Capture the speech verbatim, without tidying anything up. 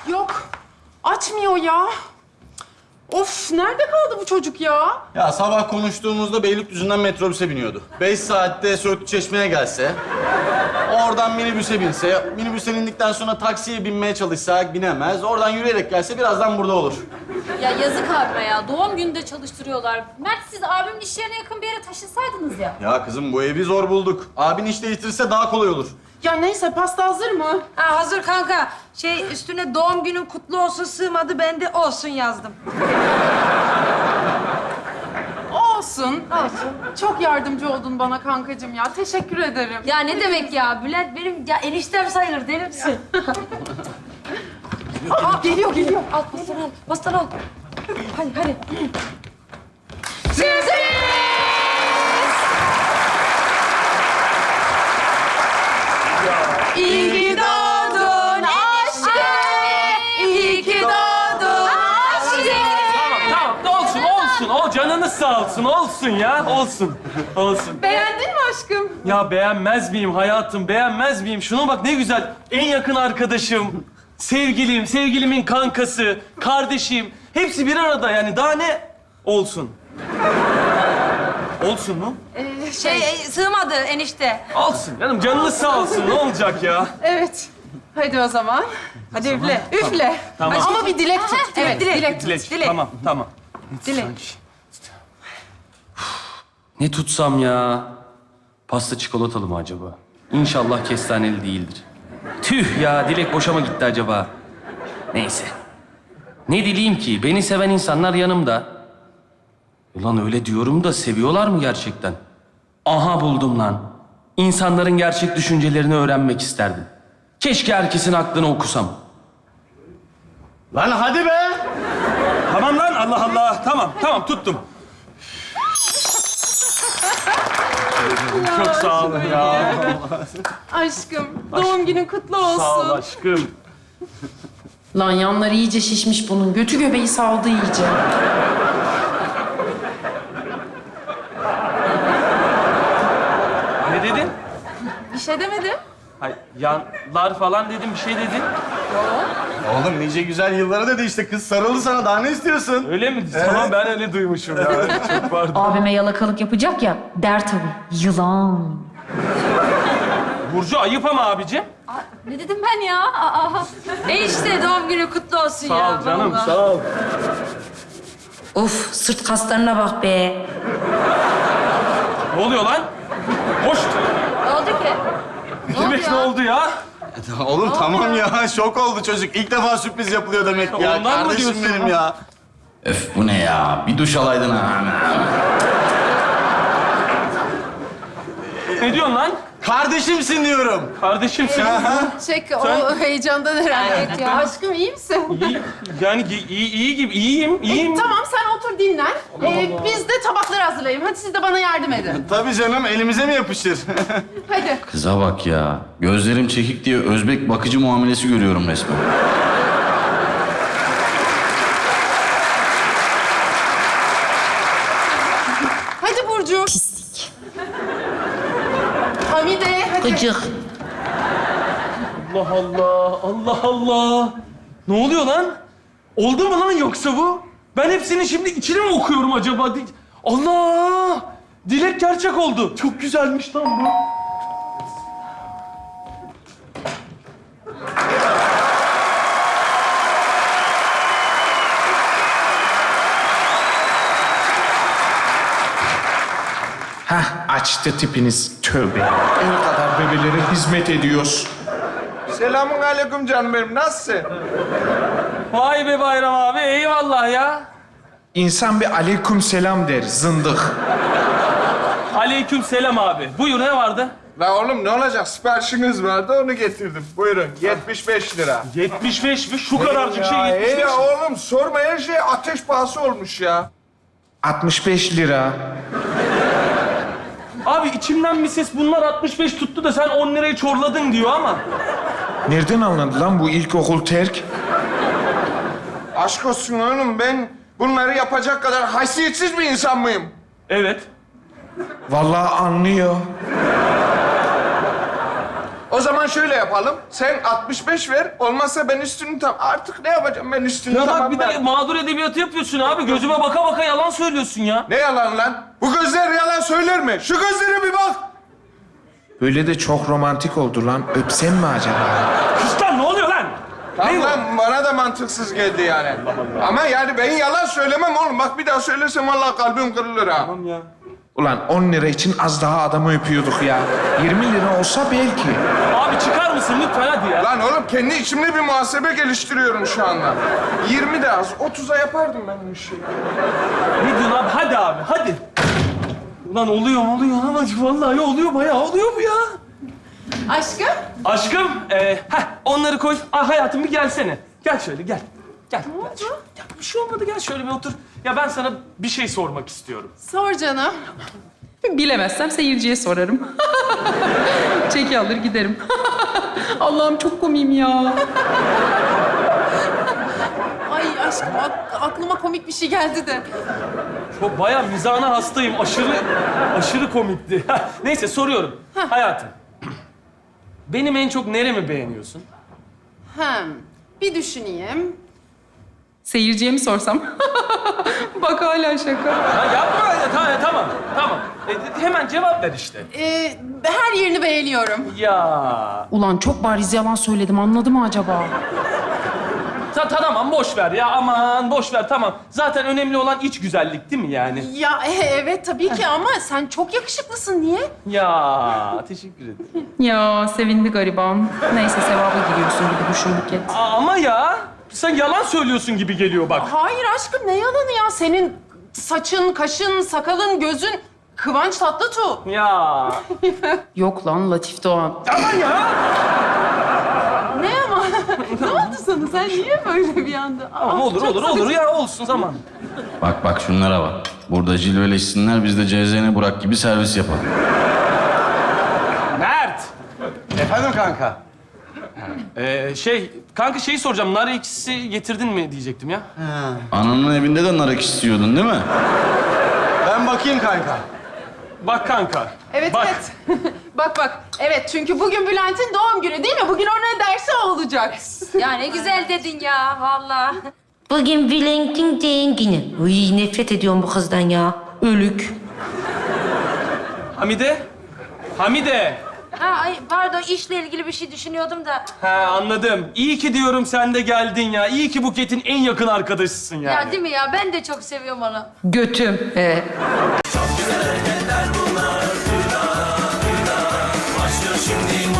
Yok. Açmıyor ya. Of, nerede kaldı bu çocuk ya? Ya sabah konuştuğumuzda Beylikdüzü'nden metrobüse biniyordu. Beş saatte Söğütlü Çeşme'ye gelse, oradan minibüse binse, minibüsten indikten sonra taksiye binmeye çalışsa binemez. Oradan yürüyerek gelse birazdan burada olur. Ya yazık abime ya. Doğum gününde çalıştırıyorlar. Mert siz abimin iş yerine yakın bir yere taşınsaydınız ya. Ya kızım bu evi zor bulduk. Abin iş değiştirirse daha kolay olur. Ya neyse, pasta hazır mı? Ha, hazır kanka. Şey üstüne doğum günün kutlu olsun sığmadı, ben de olsun yazdım. Olsun. Olsun. Çok yardımcı oldun bana kankacığım ya. Teşekkür ederim. Ya ne demek ya? Bülent benim ya eniştem sayılır, deli misin? Aa, geliyor, geliyor. Al pastan al, pastan al. Hadi hadi. İyi ki doğdun aşkım. İyi ki doğdun aşkım. Tamam, tamam. Ne olsun, olsun. O canınız sağ olsun, olsun ya. Olsun, olsun. Beğendin mi aşkım? Ya beğenmez miyim hayatım, beğenmez miyim? Şuna bak ne güzel. En yakın arkadaşım, sevgilim, sevgilimin kankası, kardeşim. Hepsi bir arada yani. Daha ne olsun? Olsun mu? Şey e, sığmadı enişte. Olsun canım, canınız sağ olsun. Ne olacak ya? Evet. Hadi o zaman. Hadi üfle. Üfle. Tamam. Ama bir dilek tut. Evet, dilek. dilek tut. Dilek. Dilek. Tamam, tamam. Dilek. Ne tutsam ya? Pasta çikolatalı mı acaba? İnşallah kestaneli değildir. Tüh ya, dilek boşa mı gitti acaba? Neyse. Ne dileyim ki? Beni seven insanlar yanımda. Ulan öyle diyorum da seviyorlar mı gerçekten? Aha buldum lan. İnsanların gerçek düşüncelerini öğrenmek isterdim. Keşke herkesin aklını okusam. Lan hadi be! Tamam lan, Allah Allah. Tamam, tamam tuttum. Çok sağ olun ya. Aşkım, doğum günün kutlu olsun. Sağ ol aşkım. Lan yanları iyice şişmiş bunun. Götü göbeği saldı iyice. Ne dedin? Bir şey demedim. Hayır, yanlar falan dedim, bir şey dedin. Oğlum nice güzel yıllara dedi işte. Kız sarıldı sana. Daha ne istiyorsun? Öyle mi? Tamam, ben öyle duymuşum ya. Çok pardon. Abime yalakalık yapacak ya. Der tabii. Yılan. Burcu ayıp ama abicim. Aa, ne dedim ben ya? Aa, Enişte doğum günü kutlu olsun Sağ ya. ol canım, vallahi. sağ ol. Of, sırt kaslarına bak be. Ne oluyor lan? Hoş. ne oldu ki? Ne demek ne oldu ya? Oğlum tamam ya. Şok oldu çocuk. İlk defa sürpriz yapılıyor demek ya. Ondan mı Kardeşim diyorsun benim ya? ya. Öf bu ne ya? Bir duş alaydın ha. Ne diyorsun lan? Kardeşimsin diyorum. Kardeşimsin. Çek, o heyecandan herhalde. Evet ya. Aşkım, iyi misin? İyi, yani iyi, iyi, iyi gibi, iyiyim, iyiyim. E, tamam, sen otur dinlen. Ee, biz de tabakları hazırlayayım. Hadi siz de bana yardım edin. Tabii canım. Elimize mi yapışır? Hadi. Kıza bak ya. Gözlerim çekik diye Özbek bakıcı muamelesi görüyorum resmen. Hadi Burcu. Pislik. Hamide, hadi. Gıcık. Allah Allah, Allah Allah. Ne oluyor lan? Oldu mu lan yoksa bu? Ben hepsinin şimdi içini mi okuyorum acaba? Di- Allah! Dilek gerçek oldu. Çok güzelmiş lan bu. Hah, açtı tipiniz. Tövbe. El kadar bebelere hizmet ediyoruz. Selamun aleyküm canım benim. Nasılsın? Vay be Bayram abi, eyvallah ya. İnsan bir aleyküm selam der, zındık. Aleyküm selam abi. Buyur, ne vardı? La oğlum ne olacak? Siparişiniz vardı onu getirdim. Buyurun yetmiş beş lira. yetmiş beş mi? Şu kadarcık şey Ya, yetmiş iyi beş. ya oğlum sorma her şey ateş pahası olmuş ya. altmış beş lira. Abi içimden bir ses bunlar altmış beş tuttu da sen on lirayı çorladın diyor ama. Nereden anladı lan bu ilkokul terk? Aşk olsun oğlum ben bunları yapacak kadar haysiyetsiz bir insan mıyım? Evet. Vallahi anlıyor. O zaman şöyle yapalım. Sen altmış beş ver. Olmazsa ben üstünü tam... Artık ne yapacağım ben üstünü Ya bak tamam bir de ben. mağdur edebiyatı yapıyorsun abi. Gözüme baka baka yalan söylüyorsun ya. Ne yalan lan? Bu gözler yalan söyler mi? Şu gözlere bir bak. Böyle de çok romantik oldu lan. Öpsem mi acaba? Kız lan ne oluyor lan? Tamam lan bana da mantıksız geldi yani. Ama yani ben yalan söylemem oğlum. Bak bir daha söylesem vallahi kalbim kırılır ha. Tamam ya. Ulan on lira için az daha adamı öpüyorduk ya. yirmi lira olsa belki. Abi çıkar mısın lütfen hadi ya. Lan oğlum kendi içimde bir muhasebe geliştiriyorum şu anda. yirmi de az, otuza yapardım ben bu işi. Ne diyorsun abi? Hadi abi hadi. Ulan oluyor oluyor ama vallahi oluyor bayağı oluyor bu ya. Aşkım. Aşkım, e, heh, onları koy. Ah hayatım bir gelsene. Gel şöyle gel. Gel. Ne oldu? Ya bir şey olmadı gel şöyle bir otur. Ya ben sana bir şey sormak istiyorum. Sor canım. Bilemezsem seyirciye sorarım. Çeki alır giderim. Allah'ım çok komiyim ya. Ay aşkım ak- aklıma komik bir şey geldi de. Çok bayağı mizahına hastayım. Aşırı, aşırı komikti. Neyse soruyorum. Hayatım. Benim en çok neremi beğeniyorsun? Hem bir düşüneyim. Seyirciye mi sorsam? Bak hala şaka. Ha, yapma. Tamam, tamam. Tamam. E, hemen cevap ver işte. Ee, her yerini beğeniyorum. Ya. Ulan çok bariz yalan söyledim. Anladı mı acaba? Ta, tamam boş ver ya. Aman boş ver tamam. Zaten önemli olan iç güzellik değil mi yani? Ya e, evet tabii ki ama sen çok yakışıklısın. Niye? Ya teşekkür ederim. Ya sevindi gariban. Neyse sevaba giriyorsun gibi düşün Buket. Aa, ama ya sen yalan söylüyorsun gibi geliyor bak. Hayır aşkım ne yalanı ya? Senin saçın, kaşın, sakalın, gözün Kıvanç Tatlıtuğ. Ya. Yok lan Latif Doğan. Aman ya. Ne ama? Ne oldu sana? Sen niye böyle bir anda? Tamam Aa, olur çok olur olur sıkıcı. ya olsun zaman. Bak bak şunlara bak. Burada cilveleşsinler, biz de C Z N Burak gibi servis yapalım. Mert. Efendim kanka? Ee, şey kanka şeyi soracağım. Nar ekşisi getirdin mi diyecektim ya. Ananın evinde de nar ekşisi istiyordun değil mi? Ben bakayım kanka. Bak kanka. Evet bak. evet. bak bak. Evet çünkü bugün Bülent'in doğum günü değil mi? Bugün ona dersi olacak. Ya ne güzel dedin ya vallahi. Bugün Bülent'in doğum günü. Uy nefret ediyorum bu kızdan ya. Ölük. Hamide. Hamide. Ha ay pardon işle ilgili bir şey düşünüyordum da. Ha anladım. İyi ki diyorum sen de geldin ya. İyi ki Buket'in en yakın arkadaşısın yani. Ya değil mi ya? Ben de çok seviyorum onu. Götüm. Ee, Başlıyor şimdi